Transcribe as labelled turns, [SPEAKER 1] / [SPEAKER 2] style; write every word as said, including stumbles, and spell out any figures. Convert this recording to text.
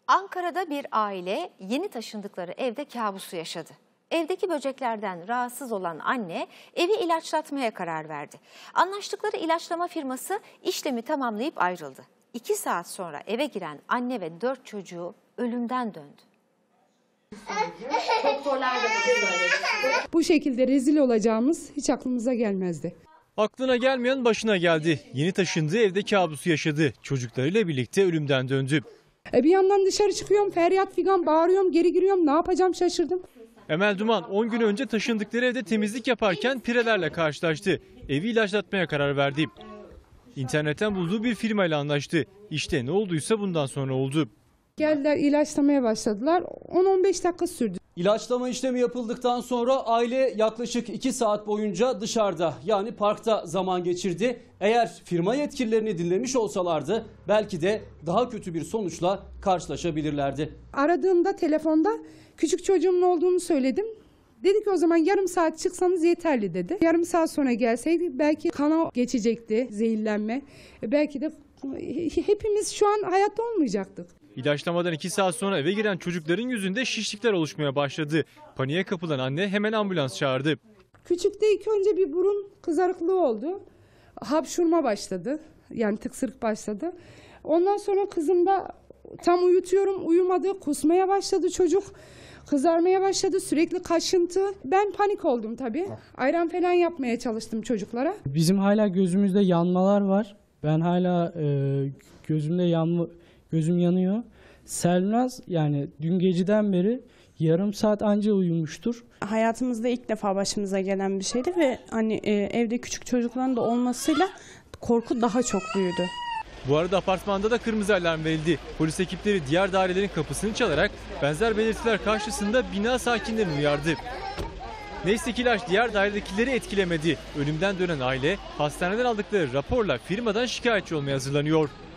[SPEAKER 1] Ankara'da bir aile yeni taşındıkları evde kabusu yaşadı. Evdeki böceklerden rahatsız olan anne evi ilaçlatmaya karar verdi. Anlaştıkları ilaçlama firması işlemi tamamlayıp ayrıldı. İki saat sonra eve giren anne ve dört çocuğu ölümden döndü.
[SPEAKER 2] Bu şekilde rezil olacağımız hiç aklımıza gelmezdi.
[SPEAKER 3] Aklına gelmeyen başına geldi. Yeni taşındığı evde kabusu yaşadı. Çocuklarıyla birlikte ölümden döndü.
[SPEAKER 2] E bir yandan dışarı çıkıyorum, feryat figan bağırıyorum, geri giriyorum. Ne yapacağım şaşırdım.
[SPEAKER 3] Emel Duman on gün önce taşındıkları evde temizlik yaparken pirelerle karşılaştı. Evi ilaçlatmaya karar verdi. İnternetten bulduğu bir firmayla anlaştı. İşte ne olduysa bundan sonra oldu.
[SPEAKER 2] Geldiler ilaçlamaya başladılar. on on beş dakika sürdü.
[SPEAKER 4] İlaçlama işlemi yapıldıktan sonra aile yaklaşık iki saat boyunca dışarıda, yani parkta zaman geçirdi. Eğer firma yetkililerini dinlemiş olsalardı belki de daha kötü bir sonuçla karşılaşabilirlerdi.
[SPEAKER 2] Aradığımda telefonda küçük çocuğumun olduğunu söyledim. Dedi ki o zaman yarım saat çıksanız yeterli dedi. Yarım saat sonra gelseydi belki kana geçecekti, zehirlenme. Belki de hepimiz şu an hayatta olmayacaktık.
[SPEAKER 3] İlaçlamadan iki saat sonra eve giren çocukların yüzünde şişlikler oluşmaya başladı. Paniğe kapılan anne hemen ambulans çağırdı.
[SPEAKER 2] Küçükte ilk önce bir burun kızarıklığı oldu. Hapşurma başladı. Yani tıksırık başladı. Ondan sonra kızımda tam uyutuyorum, uyumadı. Kusmaya başladı çocuk. Kızarmaya başladı, sürekli kaşıntı. Ben panik oldum tabii. Ayran falan yapmaya çalıştım çocuklara.
[SPEAKER 5] Bizim hala gözümüzde yanmalar var. Ben hala e, gözümde yanma, gözüm yanıyor. Selnaz yani dün geceden beri yarım saat anca uyumuştur.
[SPEAKER 6] Hayatımızda ilk defa başımıza gelen bir şeydi ve hani e, evde küçük çocukların da olmasıyla korku daha çok büyüdü.
[SPEAKER 3] Bu arada apartmanda da kırmızı alarm verildi. Polis ekipleri diğer dairelerin kapısını çalarak benzer belirtiler karşısında bina sakinlerini uyardı. Neyse ki ilaç diğer dairedekileri etkilemedi. Ölümden dönen aile hastaneden aldıkları raporla firmadan şikayetçi olmaya hazırlanıyor.